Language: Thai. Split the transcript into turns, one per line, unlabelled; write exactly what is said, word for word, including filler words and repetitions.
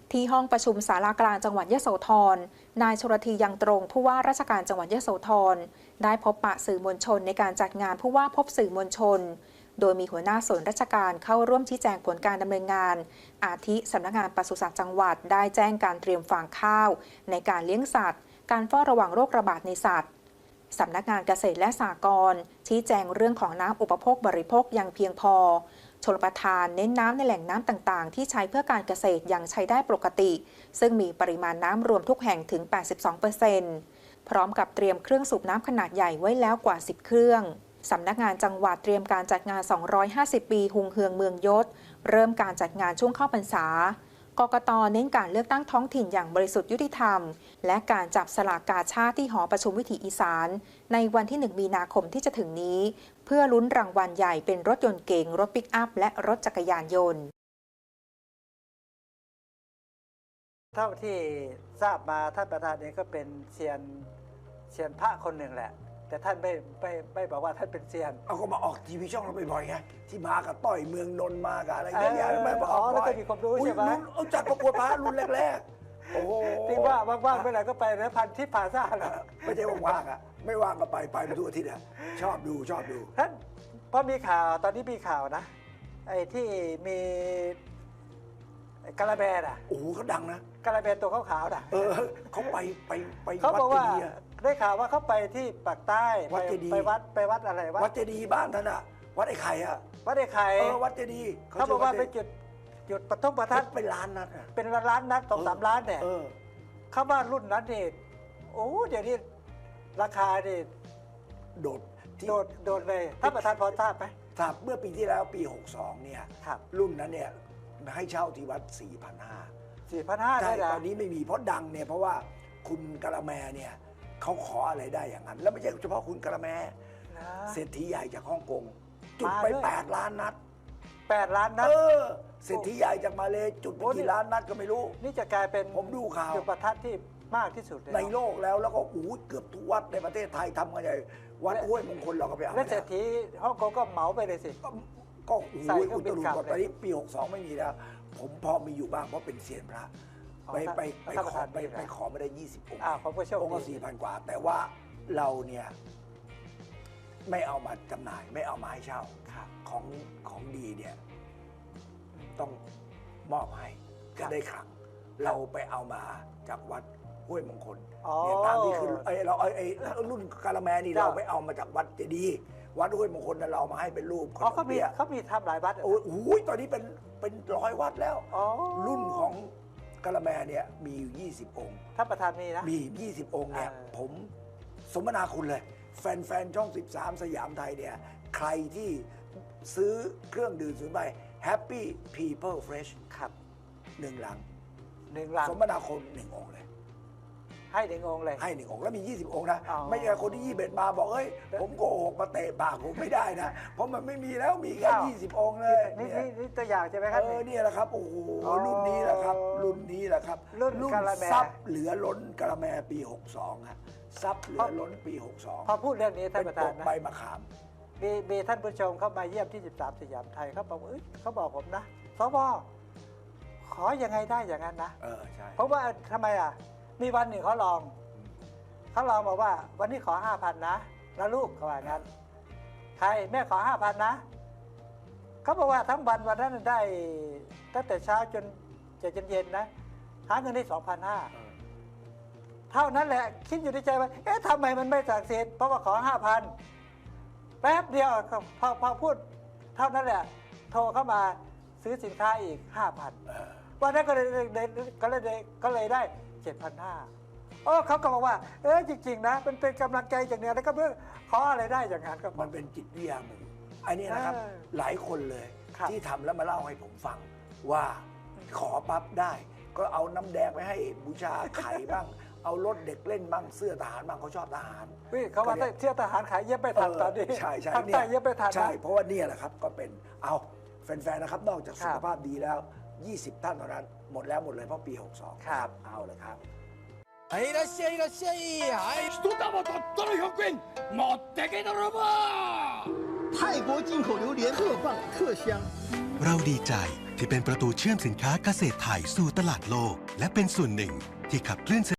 ที่ห้องประชุมศาลากลางจังหวัดยโสธรนายชลธียังตรงผู้ว่าราชการจังหวัดยโสธรได้พบปะสื่อมวลชนในการจัดงานผู้ว่าพบสื่อมวลชนโดยมีหัวหน้าส่วนราชการเข้าร่วมชี้แจงผลการดำเนินงานอาทิสำนักงานปศุสัตว์จังหวัดได้แจ้งการเตรียมฟางข้าวในการเลี้ยงสัตว์การเฝ้าระวังโรคระบาดในสัตว์สำนักงานเกษตรและสหกรณ์ชี้แจงเรื่องของน้ำอุปโภคบริโภคอย่างเพียงพอชลประทานเน้นน้ำในแหล่งน้ำต่างๆที่ใช้เพื่อการเกษตรยังใช้ได้ปกติซึ่งมีปริมาณน้ำรวมทุกแห่งถึง แปดสิบสองเปอร์เซ็นต์ พร้อมกับเตรียมเครื่องสูบน้ำขนาดใหญ่ไว้แล้วกว่า สิบ เครื่องสำนักงานจังหวัดเตรียมการจัดงาน สองร้อยห้าสิบ ปีหุงเฮืองเมืองยศเริ่มการจัดงานช่วงเข้าพรรษากกต.เน้นการเลือกตั้งท้องถิ่นอย่างบริสุทธิ์ยุติธรรมและการจับสลากกาชาดที่หอประชุมวิถีอีสานในวันที่ หนึ่ง มีนาคมที่จะถึงนี้เพื่อลุ้นรางวัลใหญ่เป็นรถยนต์เก๋งรถปิกอัพและรถจักรยานยนต์
เท่าที่ทราบมาท่านประธานเองก็เป็นเซียนเซียนพระคนหนึ่งแหละแต่ท่านไม่ไม่ไม่บอกว่าท่านเป็นเซียน
เอาก็มาออกทีวีช่องเราบ่อยๆไงที่มากับต้อยเมืองนนท์มากับอะไรอย่างเงี้ยไม่มาออก
แล้วก็มีความรู้ใช่ไหม
เอาจัดประกวดพระรุ่นแรกๆโอ้โห
ที่ว่าว่างๆเมื่อไหร่ก็ไปนะพันทิพย์ผาซ่านะ
ไม่ใช่ว่างๆอ่ะไม่ว่างก็ไปไปไปทุกอาทิตย์อ่ะชอบดูชอบดู
ท่านพอมีข่าวตอนนี้มีข่าวนะไอ้ที่มีกาลาแบนอ่ะ
โอ้โหเขาดังนะ
กาลาแบนตัวขาวๆน่ะ
เออเขาไปไปไป
เขาบอกว่าได้ข่าวว่าเขาไปที่ปากใต้
วัดเจดีย์
ไปวัดไปวัดอะไร
วัดเจดีย์บ้านท่านอ่ะวัดไอ้ไข่อ่ะ
วัดไอ้ไข่
เออวัดเจดีย์
เขาบอกว่าไปจุดจุดประทับประทัด
เป็นล้านนัด
เป็นล้านนัดสองสามล้านเนี่ยเขาว่ารุ่นนั้นนี่โอ้เดี๋ยวนี้ราคานี่
โดด
โดดโดดเลยท่านประธานพอทราบไหม
ทราบเมื่อปีที่แล้วปีหกสองเนี่ยรุ่นนั้นเนี่ยให้เช่าที่วัด สี่พันห้าร้อย
สี่พันห้าร้อย
ใช่ตอนนี้ไม่มีเพราะดังเนี่ยเพราะว่าคุณกะละแมเนี่ยเขาขออะไรได้อย่างนั้นแล้วไม่ใช่เฉพาะคุณกะละแมเศรษฐีใหญ่จากฮ่องกงจุดไปแปดล้านนัด
แปดล้านนัด
เออเศรษฐีใหญ่จากมาเลจุดไปกี่ล้านนัดก็ไม่รู้
นี่จะกลายเป็น
ผมดูข่าว
จุดประทัดที่มากที่สุด
ในโลกแล้วแล้วก็อู้เกือบทุกวัดในประเทศไทยทำกันใหญ่วัดห้วยมงคลเราก็ไปเอา
แล้วเศรษฐีฮ่องกงก็เหมาไปเลยสิ
ก็อู้อุตรุก่อนตอนนี้ปีหกสองไม่มีแล้วผมพอมีอยู่บ้างเพราะเป็นเซียนพระไปไปไปขอไปไปขอไม่ได้ยี่สิบองค์องค์ก็สี่พันกว่าแต่ว่าเราเนี่ยไม่เอามาจำหน่ายไม่เอามาให้เช่าของของดีเนี่ยต้องมอบให้จะได้ขลังเราไปเอามาจากวัดห้วยมงคลเนี่ยตามที่คือไอเราไอรุ่นกาละแมนี่เราไปเอามาจากวัดเจดีย์วัดห้วยมงคลนั้นเรามาให้เป็นรูป
อ๋อเขามีเขามีทำหลายวัด
โอ้โหตอนนี้เป็นเป็นร้อยวัดแล้วรุ่นของกาละแมเนี่ยมีอยู่ยี่สิบองค์
ท่านประธานมีนะ
มียี่สิบองค์เนี่ยผมสมนาคุณเลยแฟนๆช่องสิบสามสยามไทยเนี่ยใครที่ซื้อเครื่องดื่มสูนย์ใบ Happy People Fresh
ครับ
หนึ่งลัง
หนึ่งลัง
สมนาคุณหนึ่งองค์เลย
ให้หนึ่งองค์เลย
ให้หนึ่งองค์แล้วมียี่สิบองค์นะไม่ใช่คนที่ยี่สิบเอ็ดมาบอกเอ้ยผมโกหกมาเตะปากผมไม่ได้นะเพราะมันไม่มีแล้วมีแค่ยี่สิบองค์เลย
นี่นี่ตัวอย่างใช่ไหมครับ
เออนี่แหละครับโอ้โหรุ่นนี้แหละครับรุ่นนี้แหละครับ
รุ่นกะละแม
ซับเหลือล้นกะละแมปีหกสองฮะซับเหลือล้นปีหกสอง
พอพูดเรื่องนี้ท่านประธาน
นะใบมะขาม
มีมีท่านผู้ชมเข้ามาเยี่ยมที่สิบสามสยามไทยเขาบอกเอ้ยเขาบอกผมนะสวขอยังไงได้อย่างนั้นนะ
เออใช่
เพราะว่าทำไมอ่ะมีวันหนึ่งเขาลองเขาลองบอกว่าวันนี้ขอห้าพันนะแล้วลูกเขาว่างั้นใครแม่ขอห้าพันนะเขาบอกว่าทั้งวันวันนั้นได้ตั้งแต่เช้าจนจะจนเย็นนะหาเงินได้สองพันห้าเท่านั้นแหละคิดอยู่ในใจว่าเอ๊ะทำไมมันไม่ศักดิ์สิทธิ์เพราะว่าขอห้าพันแป๊บเดียวพอพอพูดเท่านั้นแหละโทรเข้ามาซื้อสินค้าอีกห้าพันวันนั้นก็เลยก็เลยก็เลยได้เจ็ดพันห้าโอ้เขาก็บอกว่าเออจริงๆนะมันเป็นกำลังใจจากเนี่ยแล้วก็เพื่อขออะไรได้อย่างนั้นก็
มันเป็นจิตวิทยาหมู่อันนี้นะครับหลายคนเลยที่ทำแล้วมาเล่าให้ผมฟังว่าขอปั๊บได้ก็เอาน้ำแดงไปให้บูชาไข่บ้างเอารถเด็กเล่นบ้างเสื้อทหารบ้างเขาชอบทหาร
เขาว่าเสื้อทหารขายเย็บไปทันตอนนี้
ใช่ใช่
เนี่ยเย็บไปทัน
ใช่เพราะว่านี่แหละครับก็เป็นเอาแฟนๆนะครับนอกจากสุขภาพดีแล้วยี่สิบท่านเท่านั้นหมดแล้วหมดเลยเพราะปีหกสอง
ครับ
เอาเลยครับ
はいいらっしゃいいらっしゃいはい一玉たったのひゃくえん持ってけ泥棒
泰国进口榴莲特棒特香
เราดีใจ
ที่เป็นประตูเชื่อมสินค้าเกษตรไทยสู่ตลาดโลก และเป็นส่วนหนึ่งที่ขับเคลื่อน